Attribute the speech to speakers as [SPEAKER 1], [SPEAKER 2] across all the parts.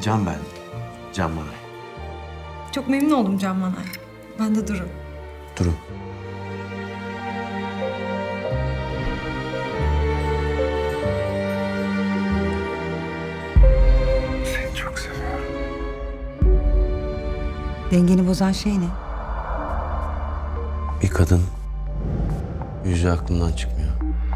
[SPEAKER 1] Can ben. Can Manay.
[SPEAKER 2] Çok memnun oldum Can Manay. Ben de Duru.
[SPEAKER 1] Duru. Seni çok seviyorum.
[SPEAKER 3] Dengeni bozan şey ne?
[SPEAKER 1] Bir kadın yüzü aklımdan çıkmıyor.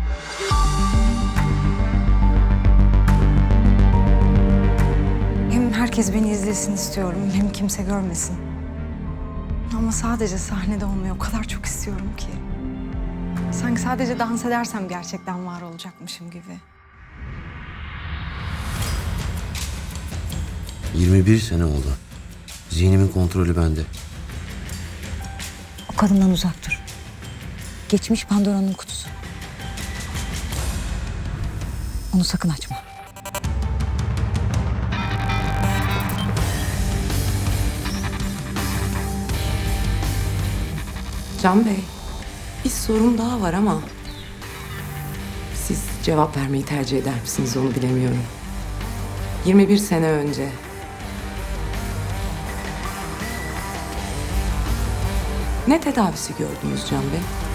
[SPEAKER 2] Hem herkes beni izlesin istiyorum, hem kimse görmesin. Ama sadece sahnede olmayı o kadar çok istiyorum ki. Sanki sadece dans edersem gerçekten var olacakmışım gibi.
[SPEAKER 1] 21 sene oldu. Zihnimin kontrolü bende.
[SPEAKER 3] O kadından uzak dur. Geçmiş Pandora'nın kutusu. Onu sakın açma.
[SPEAKER 4] Can Bey, bir sorum daha var ama siz cevap vermeyi tercih eder misiniz onu bilemiyorum. 21 sene önce ne tedavisi gördünüz Can Bey?